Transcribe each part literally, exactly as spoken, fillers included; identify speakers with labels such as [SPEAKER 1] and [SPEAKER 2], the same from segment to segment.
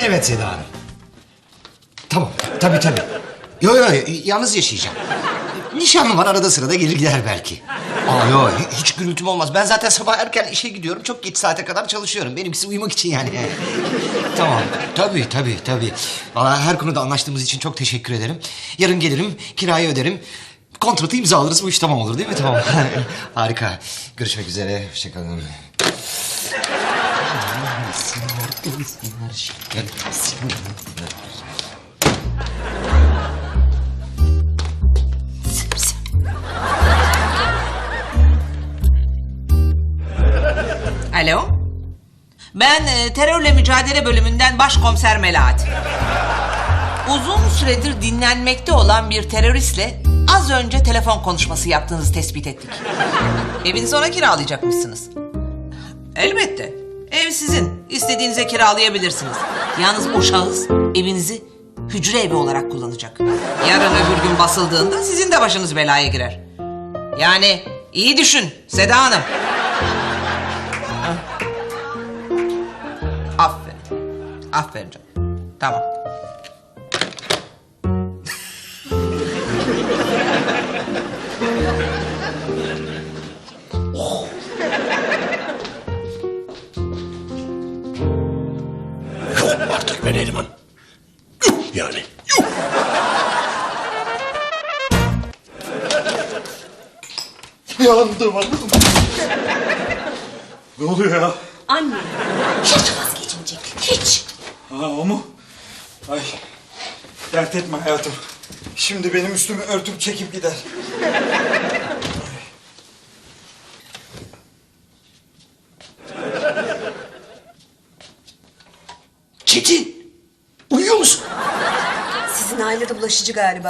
[SPEAKER 1] Evet Seda Hanım. Tamam, tabii tabii. Yo yo, yalnız yaşayacağım. Nişanlım var, arada sırada gelir gider belki. Aa yo, hiç gürültüm olmaz. Ben zaten sabah erken işe gidiyorum. Çok geç saate kadar çalışıyorum. Benimkisi uyumak için yani. Tamam, tabii tabii tabii. Vallahi her konuda anlaştığımız için çok teşekkür ederim. Yarın gelirim, kirayı öderim. Kontratı imzalarız, bu iş tamam olur değil mi? Tamam. Harika. Görüşmek üzere, hoşçakalın.
[SPEAKER 2] Alo. Ben e, terörle mücadele bölümünden başkomiser Melahat. Uzun süredir dinlenmekte olan bir teröristle az önce telefon konuşması yaptığınızı tespit ettik. Evinizi ona kiralayacakmışsınız. Elbette. Ev sizin. İstediğinize kiralayabilirsiniz. Yalnız o şahıs evinizi hücre evi olarak kullanacak. Yarın öbür gün basıldığında sizin de başınız belaya girer. Yani iyi düşün Seda Hanım. Aferin. Aferin canım. Tamam.
[SPEAKER 3] Yok artık be Neriman. Yuh yani. Yuh. Yandım hanım. Ne oluyor ya?
[SPEAKER 4] Anne, hiç vazgeçmeyecek, hiç.
[SPEAKER 5] Ha o mu? Ay, dert etme hayatım. Şimdi benim üstümü örtüp çekip gider.
[SPEAKER 3] Çetin. Uyuyor musun?
[SPEAKER 4] Sizin ailede bulaşıcı galiba.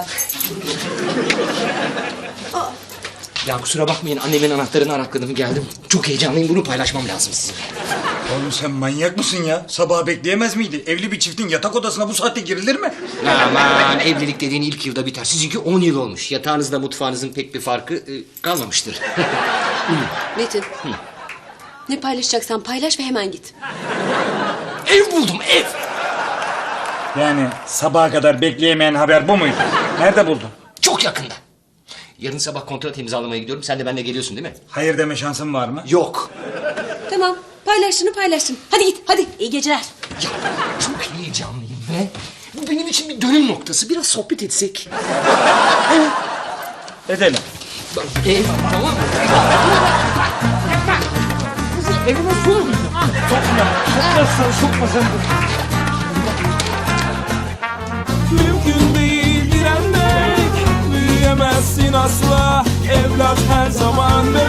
[SPEAKER 6] Ya kusura bakmayın, annemin anahtarını arakladım geldim. Çok heyecanlıyım, bunu paylaşmam lazım sizinle.
[SPEAKER 5] Oğlum sen manyak mısın ya? Sabah bekleyemez miydi? Evli bir çiftin yatak odasına bu saatte girilir mi?
[SPEAKER 6] Aman, evlilik dediğin ilk yılda biter. Sizinki on yıl olmuş. Yatağınızla mutfağınızın pek bir farkı e, kalmamıştır.
[SPEAKER 4] Metin, ne paylaşacaksan paylaş ve hemen git.
[SPEAKER 6] Ev buldum, ev.
[SPEAKER 5] Yani sabaha kadar bekleyemeyen haber bu muydu? Nerede buldun?
[SPEAKER 6] Çok yakında. Yarın sabah kontrat imzalamaya gidiyorum. Sen de benimle geliyorsun değil mi?
[SPEAKER 5] Hayır deme şansın var mı?
[SPEAKER 6] Yok.
[SPEAKER 4] Tamam, paylaştığını paylaştın. Hadi git, hadi. İyi geceler.
[SPEAKER 6] Ya çok heyecanlıyım be. Bu benim için bir dönüm noktası. Biraz sohbet etsek.
[SPEAKER 5] Edelim.
[SPEAKER 6] Bak, ev, tamam mı? Evime su.
[SPEAKER 5] Sokmazsan sokmasan.
[SPEAKER 7] Mümkün değil direnmek, büyüyemezsin asla. Evlat her zaman